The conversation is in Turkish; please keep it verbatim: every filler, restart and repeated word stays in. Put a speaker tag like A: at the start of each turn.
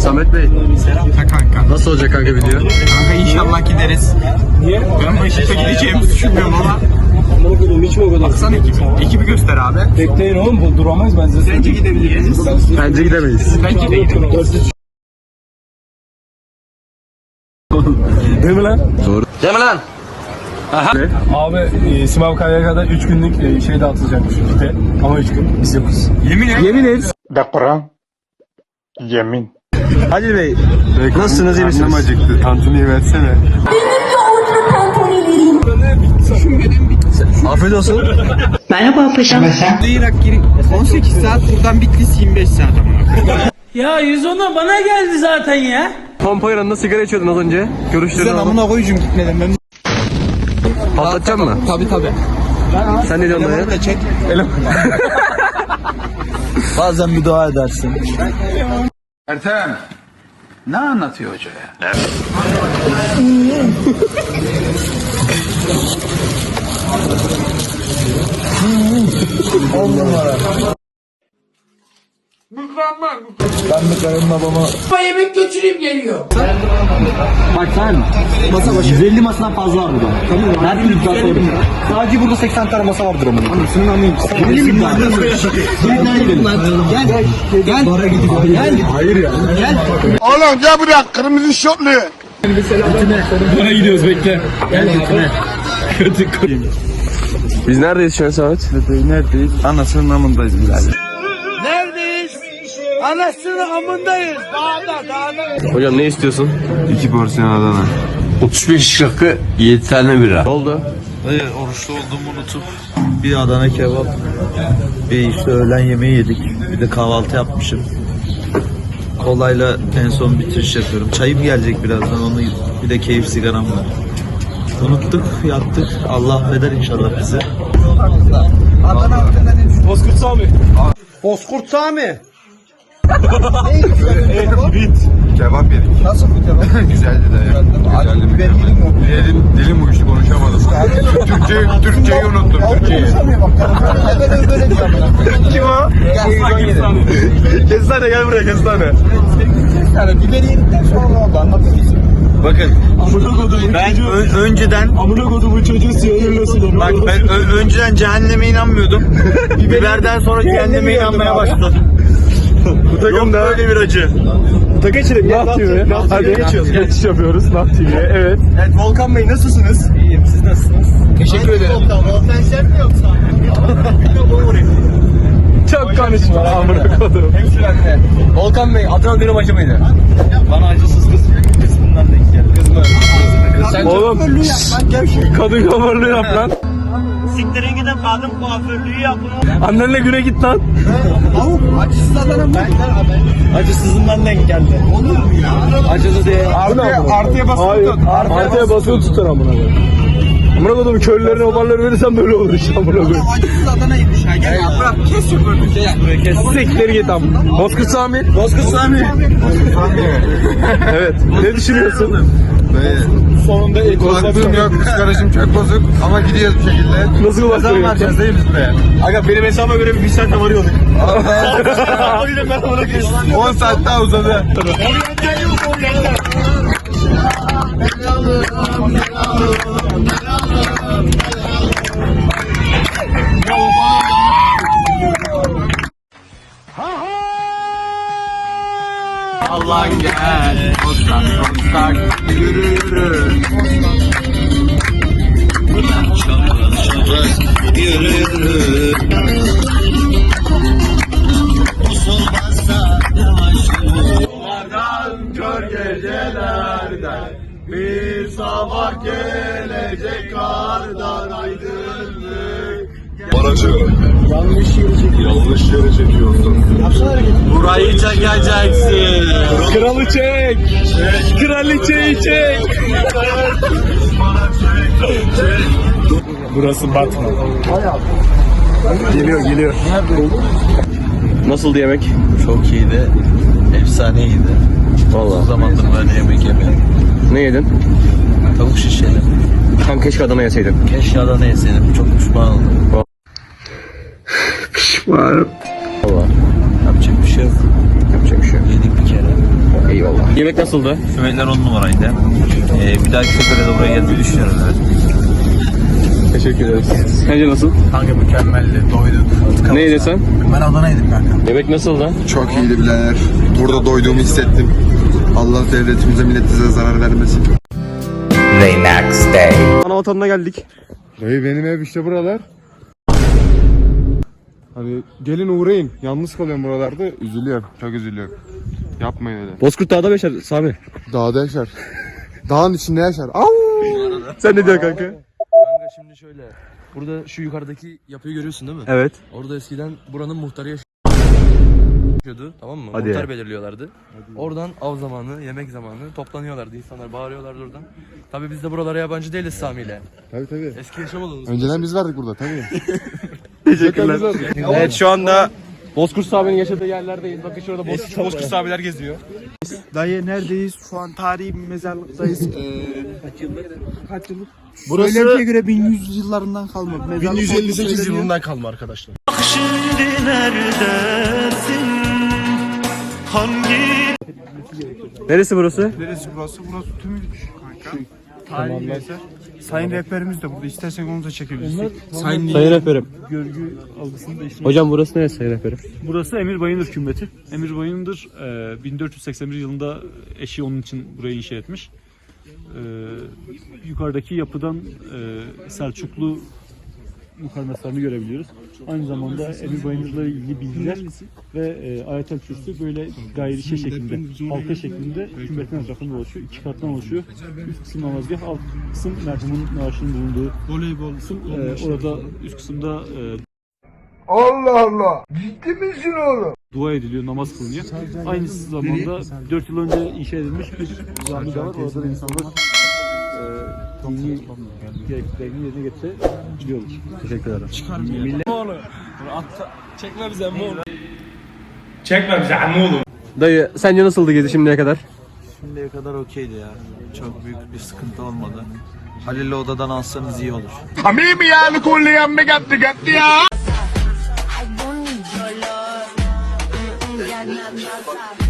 A: Samet Bey.
B: Ha kanka.
A: Nasıl olacak kanka video?
B: Kanka inşallah gideriz. Niye? Ben Beşiktaş'a gideceğimizi düşünmüyorum ama.
C: Amına koydum hiç mi o kadar?
B: Baksana ekibi. Ekibi göster abi.
C: Bekleyin oğlum bu duramayız ben size.
B: Bence gidebiliriz.
A: Bence gidemeyiz.
B: Bence de gidebiliriz.
C: Değil mi lan?
A: Doğru. Değil mi lan? Ne?
C: Abi e, Simav Kaya'ya kadar üç günlük e, şey dağıtılacakmış işte. Ama üç gün biz yokuz.
B: Yemin et.
A: Yemin et.
D: De Kur'an. Yemin.
A: Halil Bey. Nasılsınız, iyi misiniz?
C: acıktı. Tantuniyi versene.
A: Afiyet olsun.
E: Merhaba paşam.
B: Irak giri. on sekiz saat buradan Bitlis yirmi beş saat ama.
F: Ya yüz ona bana geldi zaten ya.
A: Pompa yanında sigara içiyordun az önce. Görüşlerini alalım.
B: koyucum gitmedim ben.
A: Patlatacak mı?
B: Tabi tabi.
A: Sen ne diyorsun dayı?
B: da çek.
G: Bazen bir dua edersin.
H: Ertem, ne anlatıyor hoca ya?
G: On numara. Ben de karımla babama...
F: Yemek götüreyim geliyor.
G: Bak sen, masa başı. yüz elli masadan fazla var burada. Tamam. Her türlü iddia sorun. Sadece burada seksen tane masa vardır ama. Anasının anlayayım. Öyle mi iddia? Gel gel. Gel. Bara gidiyor. Gel. Hayır ya. Gel.
D: Oğlum gel buraya kırmızı şortlu.
C: Bana gidiyoruz bekle.
G: Gel götüne.
A: Biz neredeyiz şu an Samet?
G: Neredeyiz? Anasının amındayız birader.
A: Hocam ne istiyorsun?
G: İki porsiyon Adana.
H: otuz beş rakı, yedi tane bira.
A: Ne oldu?
G: Hayır oruçlu olduğumu unutup bir Adana kebap, bir işte öğlen yemeği yedik. Bir de kahvaltı yapmışım. Kolayla en son bitiriş yapıyorum. Çayım gelecek birazdan, onu bir de keyif sigaram var. Unuttuk, yattık. Allah affeder inşallah bizi.
C: Bozkurt Sami.
G: Bozkurt Sami.
D: Kebap yedik.
G: Nasıl bu kebap?
D: Güzeldi de ya. Güzeldi mi? Dilim, dilim uyuştu, konuşamadım. Türkçeyi, Türkçeyi unuttum. Türkçeyi.
A: Kim o? Kestane gel buraya kestane.
G: Yani biberi yedikten sonra ne oldu anlatayım.
B: Bakın. Ben ö- önceden
C: Amına kodumun çocuğu sinirlesin.
B: bak ben ö- önceden cehenneme inanmıyordum. Biberden sonra cehenneme inanmaya başladım.
A: Bu takım da
B: Böyle bir acı.
A: geçelim. Nah T V. Hadi geçiyoruz. Geçiş yapıyoruz Nah T V'ye. Evet.
B: Evet Volkan Bey nasılsınız? İyiyim. Siz nasılsınız? Teşekkür ederim. Volkan sen mi yoksa?
A: Çok konuşma amına kodum.
B: Volkan Bey Adana dönüm acı mıydı? Bana acısız kız kısmından denk geldi. Kız mı? Sen
A: Oğlum kadın kuaförlüğü yap lan.
F: Siktirin gidin kadın kuaförlüğü yapın.
A: Annenle güne git lan.
G: Acısız Adana mı?
B: acısızından denk geldi.
G: Olur mu ya?
B: Acısı değil.
C: Artıya, artıya basılı
A: Hayır.
C: tut.
A: Artıya basılı tutar amına koyayım. Amına kodum köylülerine obarları verirsen böyle olur işte amına koyayım.
G: Acısız Adana'ymış ha. Gel ya bırak kes şu bölümü. Gel.
A: Siktir git am. Bozkurt Sami.
B: Bozkurt Sami.
A: Evet. Ne düşünüyorsun?
C: Sonunda ilk
D: Kulaklığım yok, psikolojim çok bozuk ama gidiyoruz bir şekilde.
A: Nasıl kulakları yok?
D: Varacağız değil mi biz buraya?
B: Aga benim hesabıma göre bir saatte varıyorduk. O yüzden ben ona geçtim.
D: on saat daha uzadı.
B: Allah gel. Ostak ostak yürü yürü. Yürü yürü.
A: Kör gecelerden bir sabah gelecek kardan aydınlık.
D: Aracı yanlış yere çekiyorsun. Yanlış yere çekiyorsun.
B: Burayı çekeceksin.
A: Kralı çek. Kraliçeyi çek.
C: Burası Batman.
A: Geliyor geliyor. Nasıldı yemek?
G: Çok iyiydi. Efsaneydi.
A: Vallahi.
G: O zamandır böyle yemek yemedim.
A: Ne yedin?
G: Tavuk şişeli.
A: Tam keşke Adana yeseydin.
G: Keşke Adana yeseydim. Çok pişman oldum.
A: Pişmanım. Valla.
G: Yapacak bir şey yok.
A: Yapacak bir şey yok.
G: Yedik bir kere.
A: Eyvallah.
B: Yemek nasıldı?
G: Yemekler on numaraydı. Ee, bir dahaki sefere de buraya gelmeyi düşünüyorum. Evet.
B: Teşekkür ederiz. Sence nasıl?
D: Kanka mükemmeldi. Doyduk.
B: Ne yedin sen?
D: Ben Adana yedim kanka.
B: Yemek nasıldı?
D: Çok iyiydi birader. Burada doyduğumu hissettim. Allah devletimize milletimize zarar vermesin.
B: Ana vatanına geldik.
A: Dayı benim ev işte buralar. Hani gelin uğrayın. Yalnız kalıyorum buralarda. Üzülüyorum. Çok üzülüyorum. Yapmayın öyle.
B: Bozkurt Dağ'da beşer Sami.
A: Dağda yaşar. Dağın içinde yaşar. Au!
B: Sen ne diyorsun kanka?
E: Kanka şimdi şöyle. Burada şu yukarıdaki yapıyı görüyorsun değil mi?
B: Evet.
E: Orada eskiden buranın muhtarı yaşıyordu. Tamam mı?
B: Hadi
E: Muhtar
B: ya.
E: belirliyorlardı. Oradan av zamanı, yemek zamanı toplanıyorlardı. İnsanlar bağırıyorlardı oradan. Tabii biz de buralara yabancı değiliz Sami'yle.
A: Tabii tabii.
E: Eski yaşam alanımız.
A: Önceden biz vardık burada tabii.
B: Teşekkürler. Evet şu anda Bozkurt Sami'nin yaşadığı yerlerdeyiz. Bakın şurada Bozkurt, Bozkurt Sami'ler geziyor.
I: Dayı neredeyiz? Şu an tarihi bir mezarlıktayız. Ee, kaç yıllık?
A: Burası
I: Söylentiye göre bin yüz yıllarından kalma. Mezarlık
A: bin yüz elli sekiz
I: söyleniyor.
A: yılından kalma arkadaşlar.
F: Şimdi neredesin? Hangi
B: Neresi burası?
I: Neresi burası? Burası Tümülük kanka. Tarihi bir eser. Sayın rehberimiz de burada. İstersen onu da çekebilirsin. Sayın
B: Sayın Rehberim.
J: Görgü algısını değiştirmek.
B: Hocam burası neresi Sayın Rehberim?
J: Burası Emir Bayındır Kümbeti. Emir Bayındır e, bin dört yüz seksen bir yılında eşi onun için burayı inşa etmiş. E, yukarıdaki yapıdan e, Selçuklu mukarnaslarını görebiliyoruz. Aynı zamanda Emir Bayındır'la ilgili bilgiler ve e, Ayetel Kürsü böyle gayri şey şeklinde, halka şeklinde kümbetin etrafında oluşuyor. İki kattan oluşuyor. Üst kısım namazgah, alt kısım merhumun naaşının bulunduğu voleybol kısım. E, orada üst kısımda e,
A: Allah Allah. Ciddi misin oğlum?
J: dua ediliyor, namaz kılınıyor. Aynı zamanda dört yıl önce inşa edilmiş bir cami de var. Orada da insanlar e, dini gerekliliklerini yerine getirebiliyorlar.
B: Teşekkür ederim. Çekme bize ammoğlu. Çekme bize ammoğlu. Dayı sence nasıldı gezi şimdiye kadar?
G: Şimdiye kadar okeydi ya. Çok büyük bir sıkıntı olmadı. Halil'i odadan alsanız iyi olur.
K: I don't need your love. Mm-mm, yeah, nah, nah, nah.